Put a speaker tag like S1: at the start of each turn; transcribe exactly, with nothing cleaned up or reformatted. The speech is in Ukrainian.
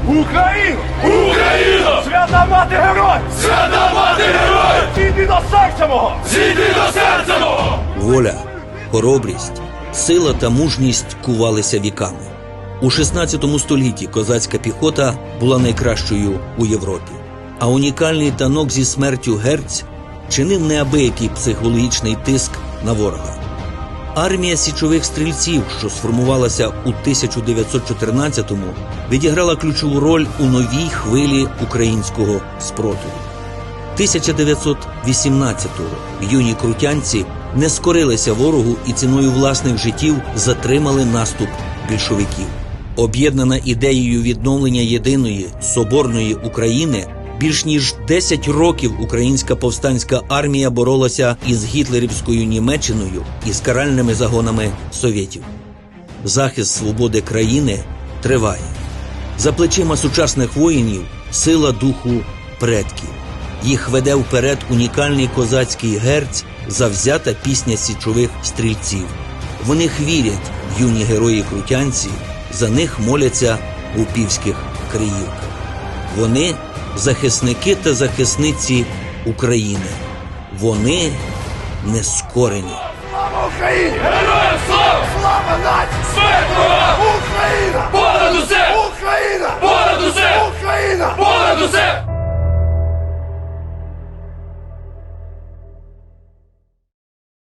S1: Україну!
S2: Україно!
S1: Свята мати герой!
S2: Свята мати герой!
S1: Зійди до серця мого!
S2: Зійди до серця мого!
S3: Воля, хоробрість, сила та мужність кувалися віками. У шістнадцятому столітті козацька піхота була найкращою у Європі. А унікальний танок зі смертю Герць чинив неабиякий психологічний тиск на ворога. Армія січових стрільців, що сформувалася у тисяча дев'ятсот чотирнадцятому, відіграла ключову роль у новій хвилі українського спротиву. тисяча дев'ятсот вісімнадцятого юні крутянці не скорилися ворогу і ціною власних життів затримали наступ більшовиків. Об'єднана ідеєю відновлення єдиної соборної України, більш ніж десять років українська повстанська армія боролася із гітлерівською Німеччиною і з каральними загонами совєтів. Захист свободи країни триває. За плечима сучасних воїнів сила духу предків. Їх веде вперед унікальний козацький герць, завзята пісня січових стрільців. В них вірять юні герої-крутянці, за них моляться в упівських криївках. Вони – захисники та захисниці України. Вони нескорені.
S1: Слава Україні!
S2: Героям слава!
S1: Слава нації!
S2: Смерть ворогам!
S1: Україна!